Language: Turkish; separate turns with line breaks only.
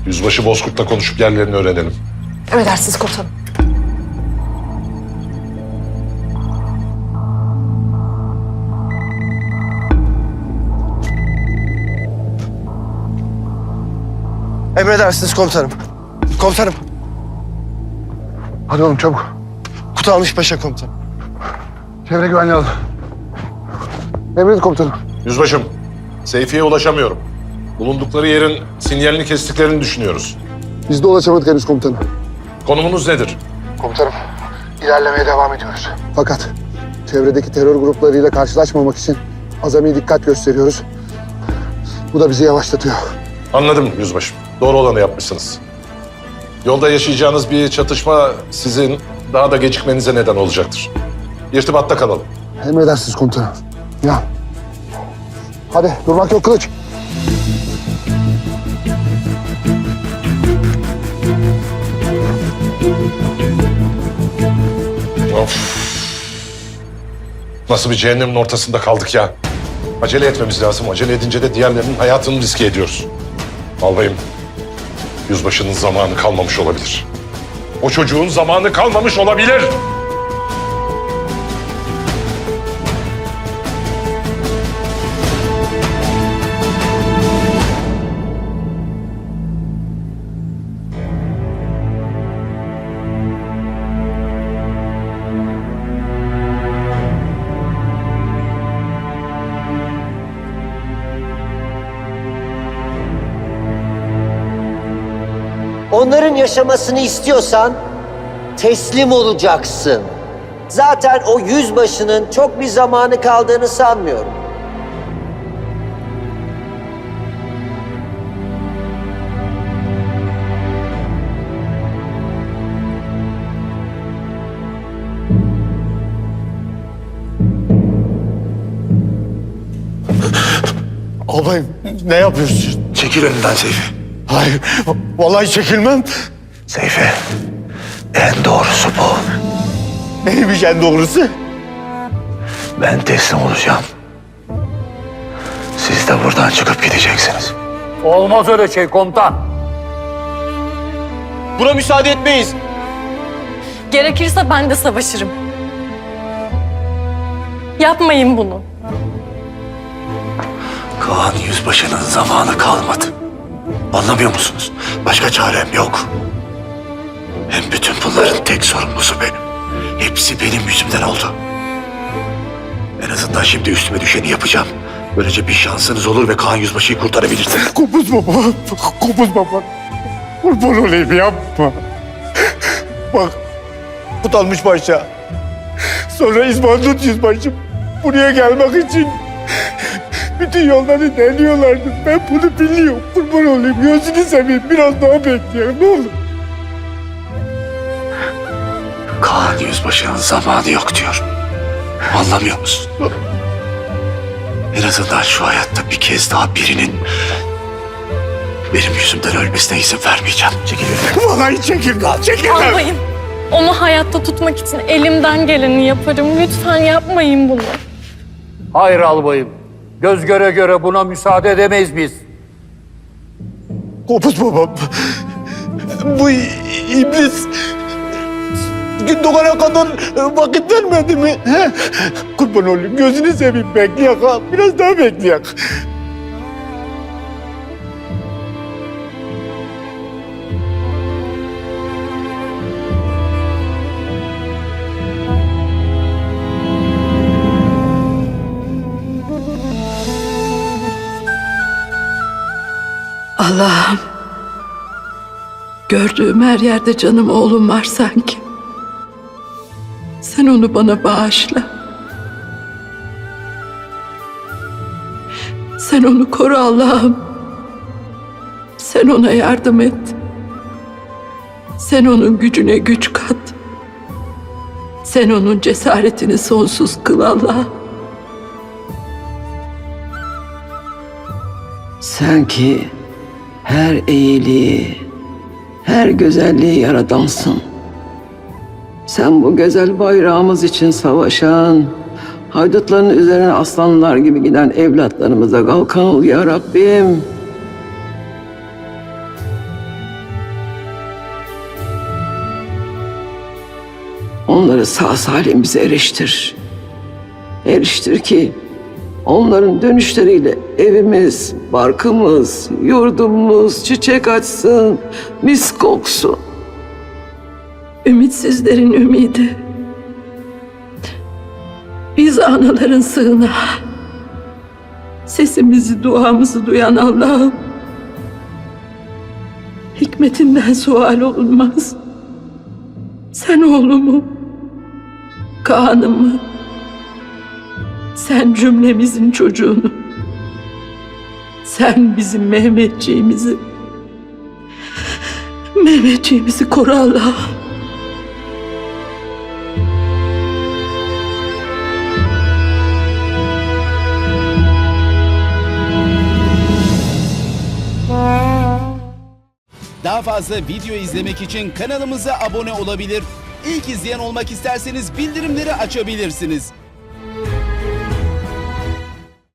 Yüzbaşı Bozkurt'la konuşup yerlerini öğrenelim.
Emredersiniz komutanım.
Emredersiniz komutanım. Komutanım.
Hadi oğlum çabuk.
Kutalmış Paşa komutanım.
Çevre güvenliği al. Emredin komutanım.
Yüzbaşım, Seyfi'ye ulaşamıyorum. Bulundukları yerin sinyalini kestiklerini düşünüyoruz.
Biz de ulaşamadık henüz komutanım.
Konumunuz nedir?
Komutanım, ilerlemeye devam ediyoruz. Fakat çevredeki terör gruplarıyla karşılaşmamak için azami dikkat gösteriyoruz. Bu da bizi yavaşlatıyor.
Anladım yüzbaşım. Doğru olanı yapmışsınız. Yolda yaşayacağınız bir çatışma sizin daha da gecikmenize neden olacaktır. İrtibatta kalalım.
Emredersiniz komutanım. Ya. Hadi durmak yok kılıç.
Of. Nasıl bir cehennemin ortasında kaldık ya. Acele etmemiz lazım. Acele edince de diğerlerinin hayatını riske ediyoruz. Albayım, yüzbaşının zamanı kalmamış olabilir. O çocuğun zamanı kalmamış olabilir.
Onların yaşamasını istiyorsan teslim olacaksın. Zaten o yüzbaşının çok bir zamanı kaldığını sanmıyorum.
Albayım ne yapıyorsun?
Çekil önümden Seyfi.
Hayır. Vallahi çekilmem.
Seyfi, en doğrusu bu.
Neymiş en doğrusu?
Ben teslim olacağım. Siz de buradan çıkıp gideceksiniz.
Olmaz öyle şey komutan.
Buna müsaade etmeyiz.
Gerekirse ben de savaşırım. Yapmayın bunu.
Kaan Yüzbaşı'nın zamanı kalmadı. Anlamıyor musunuz? Başka çarem yok. Hem bütün bunların tek sorumlusu benim. Hepsi benim yüzümden oldu. En azından şimdi üstüme düşeni yapacağım. Böylece bir şansınız olur ve Kaan Yüzbaşı'yı kurtarabilirsiniz.
Kopuz baba. Kopuz baba. Kurban olayım yapma. Bak. Kutalmış Paşa. Sonra İsmail Yüzbaşım buraya gelmek için bütün yolları deniyorlardı. Ben bunu biliyorum. Kurban olayım. Gözünü seveyim. Biraz daha bekleyelim. Ne olur.
Kaan Yüzbaşı'nın zamanı yok diyor. Anlamıyor musun? En azından şu hayatta bir kez daha birinin benim yüzümden ölmesine izin vermeyeceğim. Çekil önümden.
Vallahi çekilmem. Çekilmem.
Albayım, onu hayatta tutmak için elimden geleni yaparım. Lütfen yapmayın bunu.
Hayır albayım. Göz göre göre buna müsaade edemeyiz biz.
Kopuz babam. Bu iblis gün doğana kadar vakit vermedi mi? He? Kurban olayım. Gözünü seveyim. Bekleyek ha. Biraz daha bekleyek.
Allah'ım, gördüğüm her yerde canım oğlum var sanki. Sen onu bana bağışla. Sen onu koru Allah'ım. Sen ona yardım et. Sen onun gücüne güç kat. Sen onun cesaretini sonsuz kıl Allah'ım.
Sen ki her iyiliği, her güzelliği yaradansın. Sen bu güzel bayrağımız için savaşan, haydutların üzerine aslanlar gibi giden evlatlarımıza kalkan ol ya Rabbim. onları sağ salim bize eriştir. Eriştir ki onların dönüşleriyle evimiz, barkımız, yurdumuz çiçek açsın, mis koksun.
Ümitsizlerin ümidi. Biz anaların sığınağı. Sesimizi, duamızı duyan Allah'ım. Hikmetinden sual olunmaz. Sen oğlumu, Kaan'ımı, sen cümlemizin çocuğunu, sen bizim Mehmetçiğimizi koru Allah'ım.
Daha fazla video izlemek için kanalımıza abone olabilir. İlk izleyen olmak isterseniz bildirimleri açabilirsiniz.